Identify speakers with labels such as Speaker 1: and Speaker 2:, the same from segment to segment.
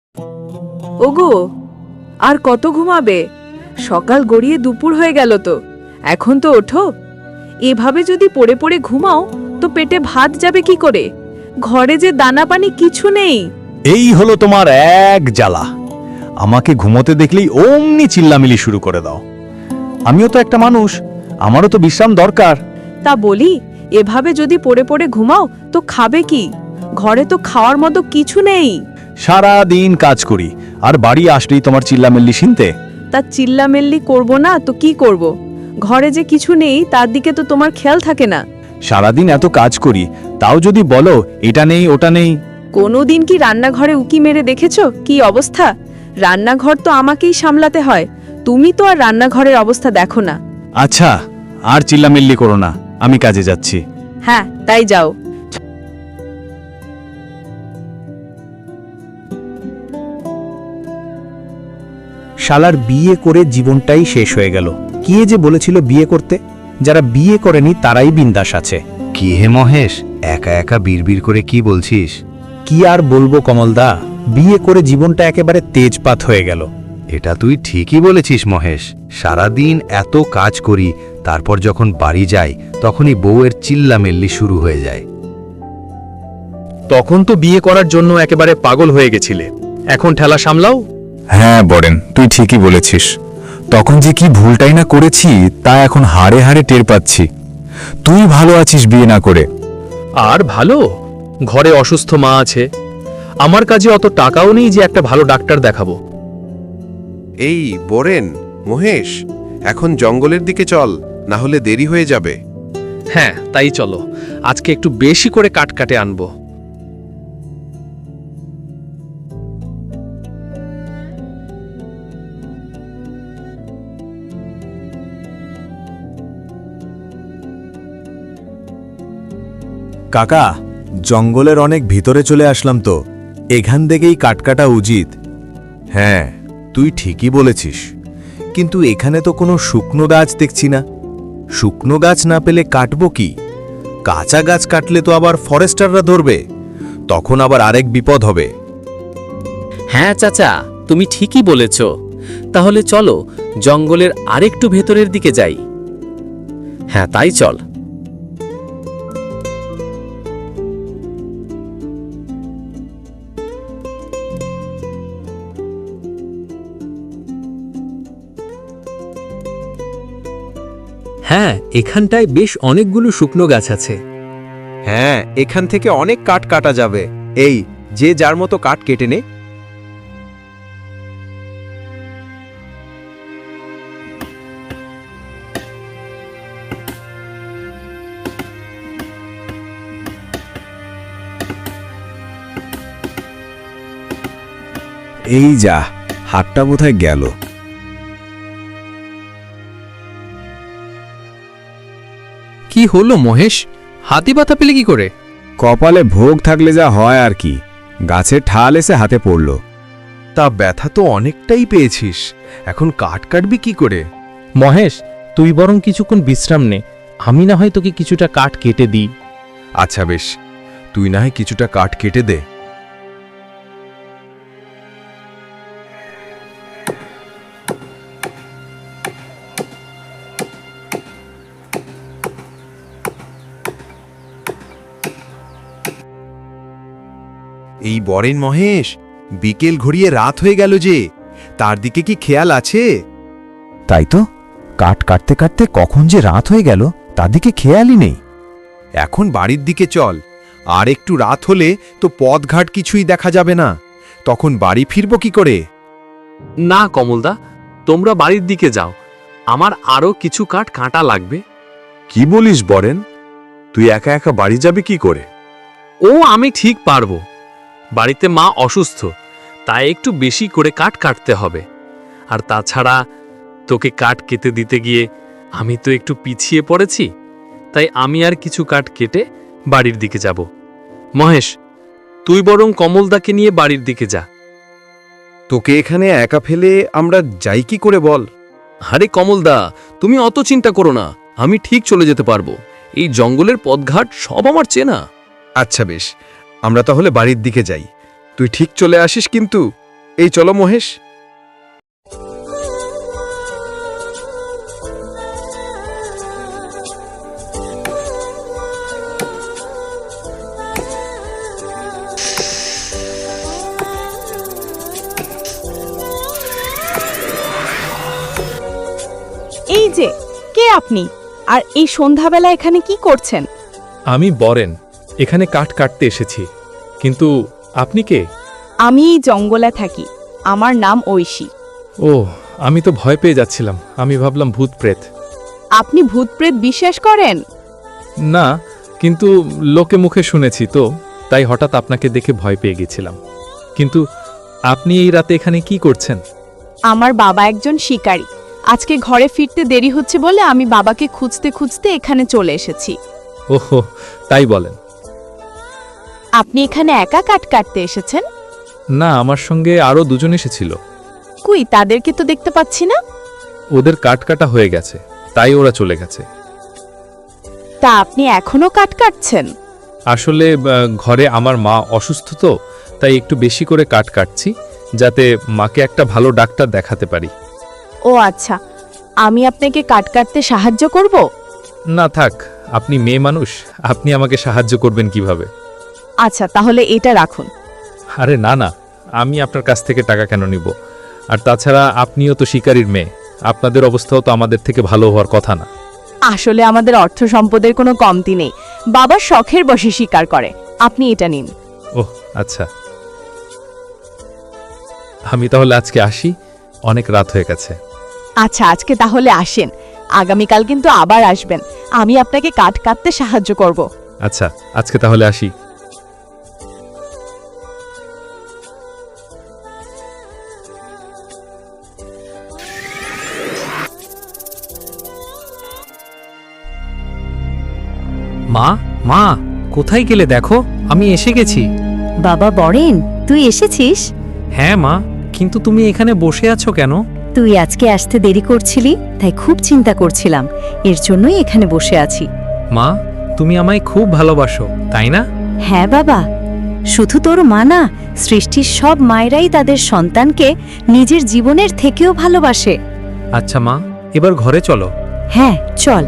Speaker 1: ওগো, আর কত ঘুমাবে? সকাল গড়িয়ে দুপুর হয়ে গেল তো, এখন তো ওঠো। এভাবে যদি পড়ে পড়ে ঘুমাও তো পেটে ভাত যাবে কি করে? ঘরে যে দানা পানি কিছু নেই।
Speaker 2: এই হলো তোমার এক জ্বালা। আমাকে ঘুমোতে দেখলেই অমনি চিল্লামিলি শুরু করে দাও। আমিও তো একটা মানুষ, আমারও তো বিশ্রাম দরকার।
Speaker 1: তা বলি, এভাবে যদি পড়ে পড়ে ঘুমাও তো খাবে কি? ঘরে তো খাওয়ার মতো কিছু নেই।
Speaker 2: সারা দিন কাজ করি, আর বাড়ি আসলেই তোমার চিল্লামিল্লি শুনতে।
Speaker 1: তা চিল্লামিল্লি করব না তো কি করব? ঘরে যে কিছু নেই তার দিকে তো তোমার খেয়াল থাকে না।
Speaker 2: সারাদিন এত কাজ করি, তাও যদি বলো এটা নেই ওটা নেই।
Speaker 1: কোনোদিন কি রান্নাঘরে উকি মেরে দেখেছো কি অবস্থা? রান্নাঘর তো আমাকেই সামলাতে হয়, তুমি তো আর রান্নাঘরের অবস্থা দেখো না।
Speaker 2: আচ্ছা, আর চিল্লামিল্লি করো না, আমি কাজে যাচ্ছি।
Speaker 1: হ্যাঁ, তাই যাও।
Speaker 3: শালার বিয়ে করে জীবনটাই শেষ হয়ে গেল। কে যে বলেছিল বিয়ে করতে? যারা বিয়ে করেনি তারাই বিন্দাস আছে।
Speaker 4: কি হে মহেশ, একা একা বিড়বিড় করে কি বলছিস?
Speaker 3: কি আর বলবো কমলদা, বিয়ে করে জীবনটা একেবারে তেজপাত হয়ে গেল।
Speaker 4: এটা তুই ঠিকই বলেছিস মহেশ। সারাদিন এত কাজ করি, তারপর যখন বাড়ি যাই তখনই বউয়ের চিল্লামিল্লি শুরু হয়ে যায়।
Speaker 2: তখন তো বিয়ে করার জন্য একেবারে পাগল হয়ে গেছিলে, এখন ঠেলা সামলাও।
Speaker 5: হ্যাঁ বরেন, তুই ঠিকই বলেছিস। তখন যে কি ভুলটাই না করেছি তা এখন হাড়ে হাড়ে টের পাচ্ছি। তুই ভালো আছিস বিয়ে না করে।
Speaker 2: আর ভালো, ঘরে অসুস্থ মা আছে, আমার কাছে অত টাকাও নেই যে একটা ভালো ডাক্তার দেখাবো।
Speaker 6: এই বোরেন, মহেশ, এখন জঙ্গলের দিকে চল, না হলে দেরি হয়ে যাবে।
Speaker 2: হ্যাঁ, তাই চলো, আজকে একটু বেশি করে কাট কাটে আনবো।
Speaker 5: কাকা, জঙ্গলের অনেক ভিতরে চলে আসলাম তো, এখান থেকেই কাটকাটা উচিত। হ্যাঁ, তুই ঠিকই বলেছিস, কিন্তু এখানে তো কোনো শুকনো গাছ দেখছি না। শুকনো গাছ না পেলে কাটবো কি? কাঁচা গাছ কাটলে তো আবার ফরেস্টাররা ধরবে, তখন আবার আরেক বিপদ হবে।
Speaker 7: হ্যাঁ চাচা, তুমি ঠিকই বলেছ। তাহলে চলো জঙ্গলের আরেকটু ভেতরের দিকে যাই। হ্যাঁ, তাই চল। হ্যাঁ, এখানটায় বেশ অনেকগুলো শুকনো গাছ আছে।
Speaker 8: হ্যাঁ, এখান থেকে অনেক কাঠ কাটা যাবে। এই যে যার মতো কাঠ কেটে নে।
Speaker 5: এই যা, হাতটা বোধহয় গেল।
Speaker 9: কি হলো মহেশ, হাতি ব্যথা পেলে কি করে?
Speaker 5: কপালে ভোগ থাকলে যা হয় আর কি, গাছের ঠাল এসে হাতে পড়ল।
Speaker 8: তা ব্যথা তো অনেকটাই পেয়েছিস, এখন কাঠ কাটবি কি করে?
Speaker 7: মহেশ, তুই বরং কিছুক্ষণ বিশ্রাম নে, আমি না হয় তোকে কিছুটা কাঠ কেটে দিই।
Speaker 8: আচ্ছা বেশ, তুই না হয় কিছুটা কাঠ কেটে দে। এই বরেন মহেশ, বিকেল ঘড়িয়ে রাত হয়ে গেল যে, তার দিকে কি খেয়াল আছে?
Speaker 5: তাই তো, কাঠ কাটতে কাটতে কখন যে রাত হয়ে গেল তার দিকে খেয়ালই নেই।
Speaker 8: এখন বাড়ির দিকে চল, আর একটু রাত হলে তো পথঘাট কিছুই দেখা যাবে না, তখন বাড়ি ফিরব কি করে?
Speaker 7: না কমলদা, তোমরা বাড়ির দিকে যাও, আমার আরো কিছু কাঠ কাটা লাগবে।
Speaker 6: কি বলিস বরেন, তুই একা একা বাড়ি যাবি কি করে?
Speaker 7: ও, আমি ঠিক পারবো। বাড়িতে মা অসুস্থ, তাই একটু বেশি করে কাঠ কাটতে হবে। আর তাছাড়া তোকে কাঠ কেটে দিতে গিয়ে আমি তো একটু পিছিয়ে পড়েছি, তাই আমি আর কিছু কাঠ কেটে বাড়ির দিকে যাব। মহেশ, তুই বরং কমলদাকে নিয়ে বাড়ির দিকে যা।
Speaker 8: তোকে এখানে একা ফেলে আমরা যাই কি করে বল?
Speaker 9: আরে কমলদা, তুমি অত চিন্তা করো না, আমি ঠিক চলে যেতে পারবো। এই জঙ্গলের পথঘাট সব আমার চেনা।
Speaker 8: আচ্ছা বেশ, আমরা তাহলে বাড়ির দিকে যাই, তুই ঠিক চলে আসিস কিন্তু। এই চলো মহেশ।
Speaker 1: এই যে কে আপনি, আর এই সন্ধ্যাবেলা এখানে কি করছেন?
Speaker 10: আমি বরেন, এখানে কাঠ কাটতে এসেছি। কিন্তু আপনি কে?
Speaker 1: আমি এই জঙ্গলে থাকি, আমার নাম ঐশী।
Speaker 10: ও, আমি তো ভয় পেয়ে যাচ্ছিলাম, আমি ভাবলাম ভূত প্রেত।
Speaker 1: আপনি ভূত প্রেত বিশ্বাস করেন?
Speaker 10: না, কিন্তু লোকে মুখে শুনেছি তো, তাই হঠাৎ আপনাকে দেখে ভয় পেয়ে গেছিলাম। কিন্তু আপনি এই রাতে এখানে কি করছেন?
Speaker 1: আমার বাবা একজন শিকারী, আজকে ঘরে ফিরতে দেরি হচ্ছে বলে আমি বাবাকে খুঁজতে খুঁজতে এখানে চলে এসেছি।
Speaker 10: ওহো, তাই বলেন।
Speaker 1: আপনি এখানে একা কাঠ কাটতে এসেছেন?
Speaker 10: না, আমার সঙ্গে আরও দুজন এসেছিল।
Speaker 1: কই, তাদেরকে তো দেখতে পাচ্ছি না।
Speaker 10: ওদের কাঠ কাটা হয়ে গেছে, তাই ওরা চলে গেছে।
Speaker 1: তা আপনি এখনো কাঠ কাটছেন?
Speaker 10: আসলে ঘরে আমার মা অসুস্থ তো, তাই একটু বেশি করে কাঠ কাটছি, যাতে মাকে একটা ভালো ডাক্তার দেখাতে পারি।
Speaker 1: ও আচ্ছা, আমি আপনাকে কাঠ কাটতে সাহায্য করব?
Speaker 10: না থাক, আপনি মেয়ে মানুষ, আপনি আমাকে সাহায্য করবেন কিভাবে?
Speaker 1: আচ্ছা, তাহলে এটা রাখুন।
Speaker 10: আরে না না, আমি আপনার কাছ থেকে টাকা কেন নিব? আর তাছাড়া আপনিও তো শিকারীর মেয়ে, আপনাদের অবস্থাও তো আমাদের থেকে ভালো হওয়ার কথা না।
Speaker 1: আসলে আমাদের অর্থ সম্পদের কোনো কমতি নেই, বাবা শখের বশে শিকার করে। আপনি এটা নিন।
Speaker 10: ওহ আচ্ছা, আমি তাহলে আজকে আসি, অনেক রাত হয়ে গেছে।
Speaker 1: আচ্ছা, আজকে তাহলে আসেন, আগামীকাল কিন্তু আবার আসবেন, আমি আপনাকে কাঠ কাটতে সাহায্য করব।
Speaker 10: আচ্ছা, আজকে তাহলে আসি।
Speaker 9: মা, মা, কোথায় গেলে দেখো, আমি এসে গেছি।
Speaker 11: বাবা বরেন, তুই এসেছিস?
Speaker 9: হ্যাঁ মা, কিন্তু তুমি এখানে বসে আছো কেন?
Speaker 11: তুই আজকে আসতে দেরি করছিলি, তাই খুব চিন্তা করছিলাম, এর জন্যই এখানে বসে আছি।
Speaker 9: মা, তুমি আমায় খুব ভালোবাসো, তাই না?
Speaker 11: হ্যাঁ বাবা, শুধু তোর মা না, সৃষ্টির সব মায়েরাই তাদের সন্তানকে নিজের জীবনের থেকেও ভালোবাসে।
Speaker 9: আচ্ছা মা, এবার ঘরে চলো।
Speaker 11: হ্যাঁ চল।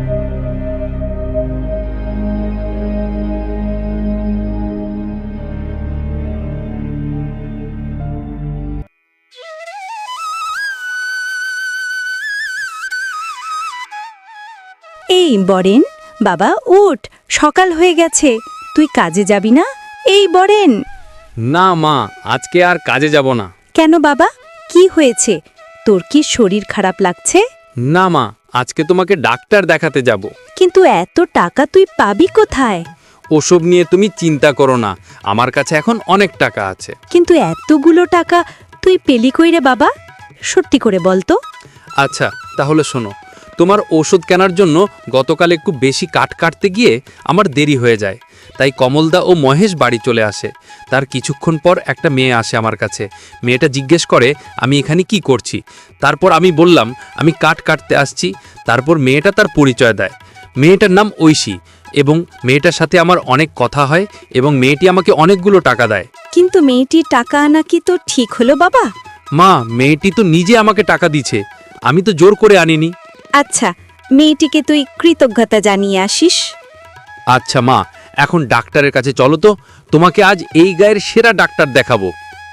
Speaker 11: এই বরেন, বাবা উঠ, সকাল হয়ে গেছে, তুই কাজে যাবি না? এই বরেন।
Speaker 7: না মা, আজকে আর কাজে যাব না।
Speaker 11: কেন বাবা, কি হয়েছে? তোর কি শরীর খারাপ লাগছে?
Speaker 7: না মা, আজকে তোমাকে ডাক্তার দেখাতে যাব।
Speaker 11: কিন্তু এত টাকা তুই পাবি কোথায়?
Speaker 7: ওসব নিয়ে তুমি চিন্তা করো না, আমার কাছে এখন অনেক টাকা আছে।
Speaker 11: কিন্তু এতগুলো টাকা তুই পেলি কই রে বাবা? সত্যি করে বল তো।
Speaker 7: আচ্ছা তাহলে শোনো, তোমার ওষুধ কেনার জন্য গতকাল একটু বেশি কাঠ কাটতে গিয়ে আমার দেরি হয়ে যায়, তাই কমলদা ও মহেশ বাড়ি চলে আসে। তার কিছুক্ষণ পর একটা মেয়ে আসে আমার কাছে। মেয়েটা জিজ্ঞেস করে আমি এখানে কি করছি। তারপর আমি বললাম আমি কাঠ কাটতে আসছি। তারপর মেয়েটা তার পরিচয় দেয়। মেয়েটার নাম ঐশী, এবং মেয়েটার সাথে আমার অনেক কথা হয়, এবং মেয়েটি আমাকে অনেকগুলো টাকা দেয়।
Speaker 11: কিন্তু মেয়েটির টাকা আনা কি তো ঠিক হলো বাবা?
Speaker 7: মা, মেয়েটি তো নিজে আমাকে টাকা দিছে, আমি তো জোর করে আনিনি।
Speaker 11: আচ্ছা, মেয়েটিকে তুই কৃতজ্ঞতা জানিয়ে আসিস।
Speaker 7: আচ্ছা মা, এখন ডাক্তারের কাছে চলো তো, তোমাকে আজ এই গায়ের সেরা ডাক্তার দেখাবো।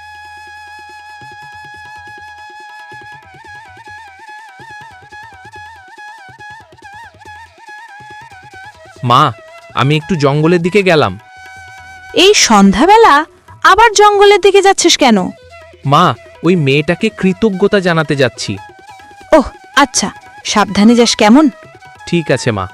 Speaker 9: মা, আমি একটু জঙ্গলের দিকে গেলাম।
Speaker 1: এই সন্ধ্যাবেলা আবার জঙ্গলের দিকে যাচ্ছিস কেন?
Speaker 9: মা, ওই মেয়েটাকে কৃতজ্ঞতা জানাতে যাচ্ছি।
Speaker 1: ওহ আচ্ছা, সাবধানে যাস কেমন?
Speaker 9: ঠিক আছে মা।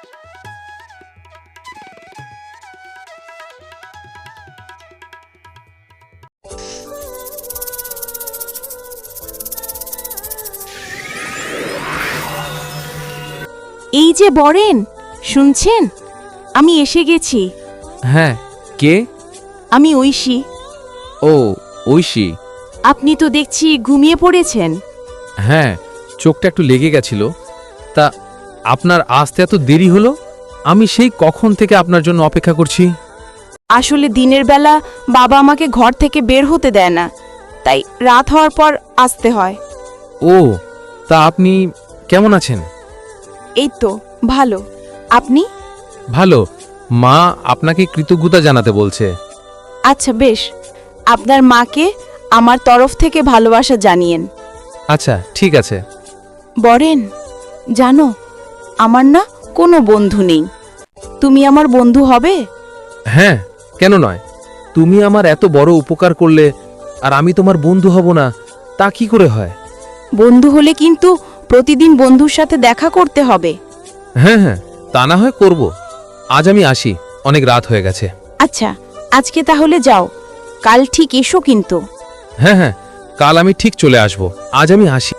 Speaker 1: এই যে বরেন, শুনছেন? আমি এসে গেছি।
Speaker 9: হ্যাঁ, কে?
Speaker 1: আমি ঐশী।
Speaker 9: ও, ঐশী।
Speaker 1: আপনি তো দেখছি ঘুমিয়ে পড়েছেন।
Speaker 9: হ্যাঁ, চোখটা একটু লেগে গেছিল। তা আপনার আসতে এত দেরি হলো? আমি সেই কখন থেকে আপনার জন্য অপেক্ষা করছি।
Speaker 1: আসলে দিনের বেলা বাবা আমাকে ঘর থেকে বের হতে দেয় না, তাই রাত হওয়ার পর আসতে হয়।
Speaker 9: ও, তা আপনি কেমন আছেন?
Speaker 1: এই তো ভালো। আপনি?
Speaker 9: ভালো। মা আপনাকে কৃতজ্ঞতা জানাতে বলছে।
Speaker 1: আচ্ছা বেশ, আপনার মাকে আমার তরফ থেকে ভালোবাসা জানিয়েন।
Speaker 9: আচ্ছা ঠিক আছে।
Speaker 1: বরেন, জানো আমার না কোনো বন্ধু নেই। তুমি আমার বন্ধু হবে?
Speaker 9: হ্যাঁ, কেন নয়? তুমি আমার এত বড় উপকার করলে আর আমি তোমার বন্ধু হব না, তা কি করে হয়?
Speaker 1: বন্ধু হলে কিন্তু প্রতিদিন বন্ধুর সাথে দেখা করতে হবে।
Speaker 9: হ্যাঁ হ্যাঁ, তা না হয় করব। আজ আমি আসি, অনেক রাত হয়ে গেছে।
Speaker 1: আচ্ছা, আজকে তাহলে যাও, কাল ঠিক এসো কিন্তু।
Speaker 9: হ্যাঁ হ্যাঁ, কাল আমি ঠিক চলে আসব। আজ আমি আসি।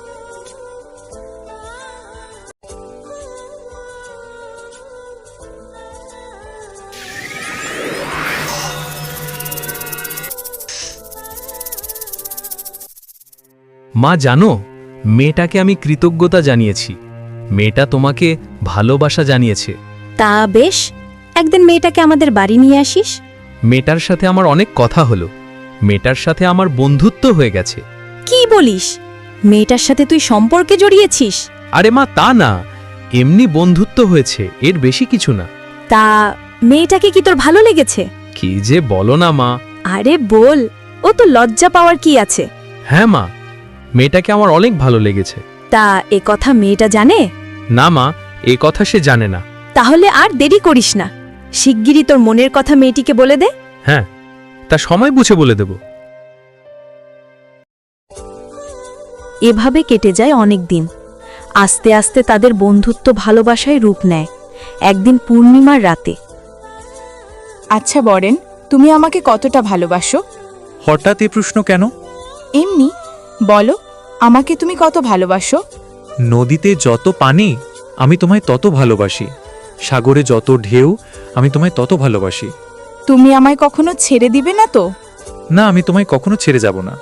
Speaker 10: মা জানো, মেয়েটাকে আমি কৃতজ্ঞতা জানিয়েছি। মেয়েটা তোমাকে ভালোবাসা জানিয়েছে।
Speaker 11: তা বেশ, একদিন মেয়েটাকে আমাদের বাড়ি নিয়ে আসিস।
Speaker 10: মেয়েটার সাথে আমার অনেক কথা হলো। মেয়েটার সাথে আমার বন্ধুত্ব হয়ে গেছে।
Speaker 11: কি বলিস? মেয়েটার সাথে তুই সম্পর্কে জড়িয়েছিস?
Speaker 10: আরে মা, তা না, এমনি বন্ধুত্ব হয়েছে, এর বেশি কিছু না।
Speaker 11: তা মেয়েটাকে কি তোর ভালো লেগেছে?
Speaker 10: কি যে বলো না মা।
Speaker 11: আরে বল, ও তো লজ্জা পাওয়ার কি আছে?
Speaker 10: হ্যাঁ মা, মেয়েটাকে আমার অনেক ভালো লেগেছে।
Speaker 11: তা এ কথা মেয়েটা জানে?
Speaker 10: না মা, এই কথা সে জানে না।
Speaker 11: তাহলে আর দেরি করিস না, শিগগিরই তোর মনের কথা মেয়েটিকে বলে দে।
Speaker 10: হ্যাঁ, তা সময় বুঝে বলে দেব।
Speaker 11: এভাবে কেটে যায় অনেক দিন। আস্তে আস্তে তাদের বন্ধুত্ব ভালোবাসায় রূপ নেয়। একদিন পূর্ণিমার রাতে।
Speaker 1: আচ্ছা বরেন, তুমি আমাকে কতটা ভালোবাসো?
Speaker 3: হঠাৎ এ প্রশ্ন কেন?
Speaker 1: এমনি বলো, আমাকে তুমি কত ভালোবাসো?
Speaker 10: নদীতে যত পানি আমি তোমায় তত ভালোবাসি, সাগরে যত ঢেউ আমি তোমায় তত ভালোবাসি।
Speaker 1: তুমি আমায় কখনো ছেড়ে দিবে না তো?
Speaker 10: না, আমি তোমায় কখনো ছেড়ে যাব না।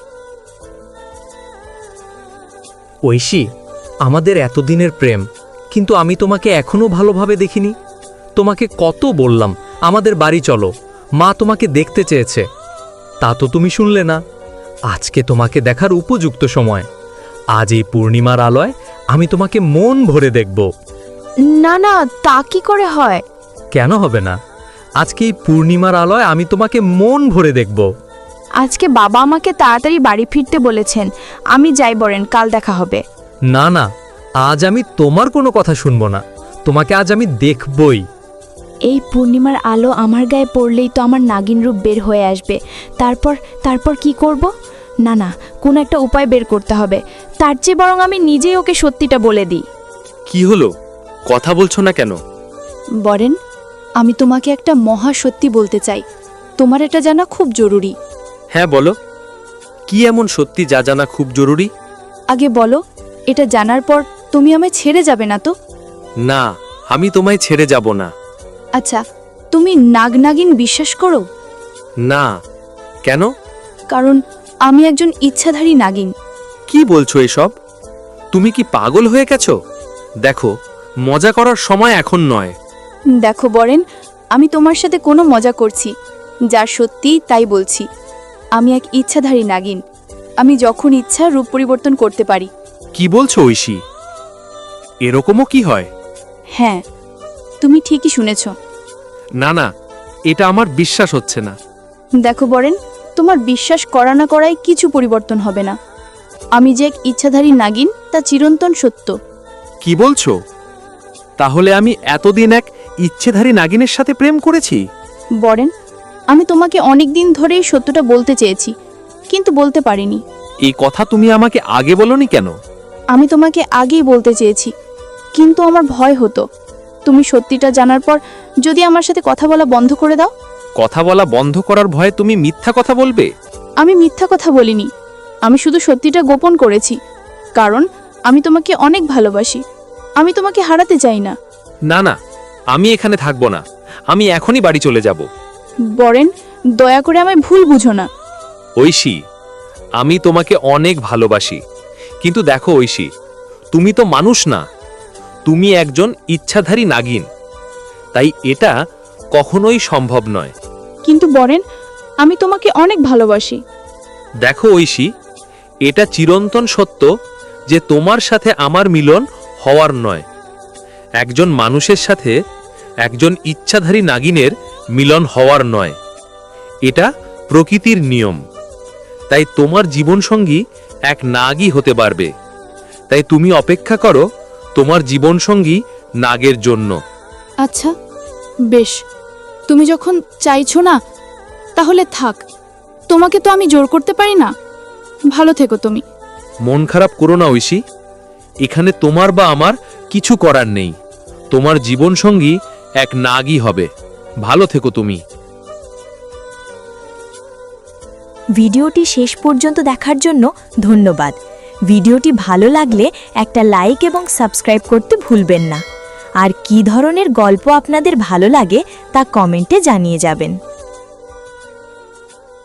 Speaker 12: ঐশী, আমাদের এতদিনের প্রেম, কিন্তু আমি তোমাকে এখনো ভালোভাবে দেখিনি। তোমাকে কত বললাম আমাদের বাড়ি চলো, মা তোমাকে দেখতে চেয়েছে, তা তো তুমি শুনলে না। আজকে তোমাকে দেখার উপযুক্ত সময়। আজ এই পূর্ণিমার আলোয় আমি তোমাকে মন ভরে দেখব।
Speaker 1: না না, তা কি করে হয়?
Speaker 12: কেন হবে না? আজকে এই পূর্ণিমার আলোয় আমি তোমাকে মন ভরে দেখব।
Speaker 1: আজকে বাবা আমাকে তাড়াতাড়ি বাড়ি ফিরতে বলেছেন। আমি যাই বরেন, কাল দেখা হবে।
Speaker 12: না না, আজ আমি তোমার কোনো কথা শুনবো না, তোমাকে আজ আমি দেখবই।
Speaker 13: এই পূর্ণিমার আলো আমার গায়ে পড়লেই তো আমার নাগিন রূপ বের হয়ে আসবে। তারপর কি করব? না না, কোনো একটা উপায় বের করতে হবে। তার চেয়ে বরং আমি নিজেই ওকে সত্যিটা বলে দিই।
Speaker 7: কি হলো, কথা বলছো না কেন?
Speaker 13: বরেন, আমি তোমাকে একটা মহা সত্যি বলতে চাই। তোমার এটা জানা খুব জরুরি।
Speaker 7: হ্যাঁ বলো, কি এমন সত্যি যা জানা খুব জরুরি?
Speaker 13: আগে বলো, এটা জানার পর তুমি আমায় ছেড়ে যাবে না তো?
Speaker 7: না, আমি তোমায় ছেড়ে যাব না।
Speaker 13: আচ্ছা, তুমি নাগনাগিন বিশ্বাস করো?
Speaker 7: না। কেন?
Speaker 13: কারণ আমি একজন ইচ্ছাধারী নাগিন।
Speaker 7: কি বলছো এসব? তুমি কি পাগল হয়ে গেছো? দেখো, মজা করার সময় এখন নয়।
Speaker 13: দেখো বরেন, আমি তোমার সাথে কোনো মজা করছি, যা সত্যি তাই বলছি। আমি এক ইচ্ছাধারী নাগিন। আমি যখন ইচ্ছা রূপ পরিবর্তন করতে পারি।
Speaker 7: কি বলছো ঐশী? এরকমও কি হয়?
Speaker 13: হ্যাঁ, তুমি ঠিকই শুনেছ।
Speaker 7: না না, এটা আমার বিশ্বাস হচ্ছে না।
Speaker 13: দেখো বরেন, তোমার বিশ্বাস করা না করায় কিছু পরিবর্তন হবে না। আমি যে এক ইচ্ছাধারী নাগিন তা চিরন্তন সত্য।
Speaker 7: কি বলছো? তাহলে আমি এতদিন এক ইচ্ছেধারী নাগিনের সাথে প্রেম করেছি?
Speaker 13: বরেন, আমি তোমাকে অনেক দিন ধরেই সত্যটা বলতে চেয়েছি, কিন্তু বলতে পারিনি।
Speaker 7: এই কথা তুমি আমাকে আগে বলনি কেন?
Speaker 13: আমি তোমাকে আগেই বলতে চেয়েছি, কিন্তু আমার ভয় হতো তুমি সত্যিটা জানার পর যদি আমার সাথে কথা বলা বন্ধ করে দাও।
Speaker 7: কথা বলা বন্ধ করার ভয়ে তুমি মিথ্যা কথা বলবে?
Speaker 13: আমি মিথ্যা কথা বলিনি, আমি শুধু সত্যিটা গোপন করেছি, কারণ আমি তোমাকে অনেক ভালোবাসি। আমি তোমাকে হারাতে চাই না।
Speaker 7: না না, আমি এখানে থাকবো না, আমি এখনই বাড়ি চলে যাব।
Speaker 13: বরেন, দয়া করে আমায় ভুল বুঝো না।
Speaker 7: ঐশী, আমি তোমাকে অনেক ভালোবাসি, কিন্তু দেখো ঐশী, তুমি তো মানুষ না, তুমি একজন ইচ্ছাধারী নাগিন, তাই এটা কখনোই সম্ভব নয়।
Speaker 13: কিন্তু বরেন, আমি তোমাকে অনেক ভালোবাসি।
Speaker 7: দেখো ঐশী, এটা চিরন্তন সত্য যে তোমার সাথে আমার মিলন হওয়ার নয়, একজন মানুষের সাথে একজন ইচ্ছাধারী নাগিনের মিলন হওয়ার নয়। এটা প্রকৃতির নিয়ম। তাই তোমার জীবনসঙ্গী এক নাগই হতে পারবে। তাই তুমি অপেক্ষা করো তোমার জীবনসঙ্গী নাগের জন্য।
Speaker 13: আচ্ছা বেশ, তুমি যখন চাইছো না তাহলে থাক, তোমাকে তো আমি জোর করতে পারি না। ভালো থেকো তুমি।
Speaker 7: মন খারাপ করো না ঐশী, এখানে তোমার বা আমার কিছু করার নেই। তোমার জীবনসঙ্গী এক নাগই হবে। ভালো থেকো তুমি।
Speaker 11: ভিডিওটি শেষ পর্যন্ত দেখার জন্য ধন্যবাদ। ভিডিওটি ভালো লাগলে একটা লাইক এবং সাবস্ক্রাইব করতে ভুলবেন না। আর কী ধরনের গল্প আপনাদের ভালো লাগে তা কমেন্টে জানিয়ে যাবেন।